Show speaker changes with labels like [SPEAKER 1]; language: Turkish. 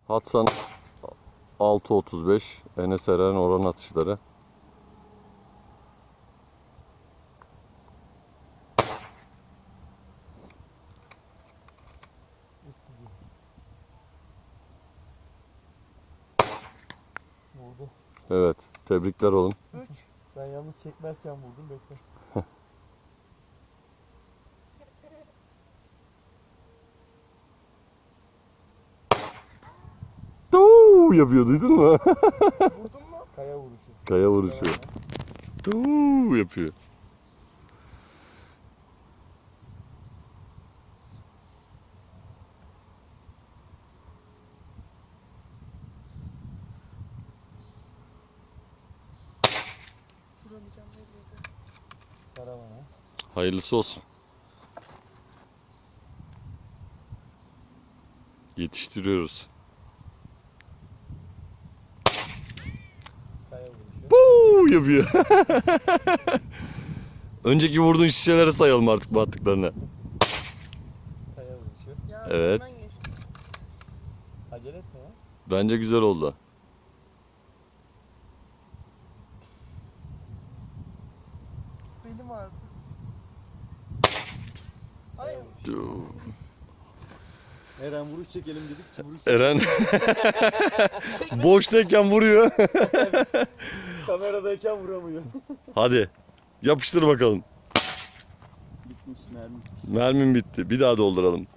[SPEAKER 1] Hatsan 6.35. Enes Eren oran atışları.
[SPEAKER 2] Vurdu.
[SPEAKER 1] Evet. Tebrikler oğlum.
[SPEAKER 2] 3. Ben yalnız çekmezken vurdum. Bekle.
[SPEAKER 1] Tuuu yapıyor, duydun mu?
[SPEAKER 2] Vurdun mu? Kaya vuruşu.
[SPEAKER 1] Kaya vuruşu. Tuuu yapıyor.
[SPEAKER 3] Vuramayacağım belliydi.
[SPEAKER 2] Karavana.
[SPEAKER 1] Hayırlısı olsun. Yetiştiriyoruz.
[SPEAKER 2] Kaya vuruşu.
[SPEAKER 1] Tuuu yapıyor. Önceki vurduğun şişelere sayalım artık bu attıklarını.
[SPEAKER 2] Kaya vuruşu.
[SPEAKER 3] Ya
[SPEAKER 1] Evet.
[SPEAKER 3] hemen geçti.
[SPEAKER 2] Acele etme ya.
[SPEAKER 1] Bence güzel oldu.
[SPEAKER 3] Belim ağrıdı. Hayır.
[SPEAKER 1] Tuuu.
[SPEAKER 2] Eren vuruş çekelim dedik. Vuruş
[SPEAKER 1] Eren boştayken vuruyor.
[SPEAKER 2] kameradayken vuramıyor.
[SPEAKER 1] Hadi yapıştır bakalım.
[SPEAKER 2] Bitmiş mermi.
[SPEAKER 1] Mermim bitti. Bir daha dolduralım.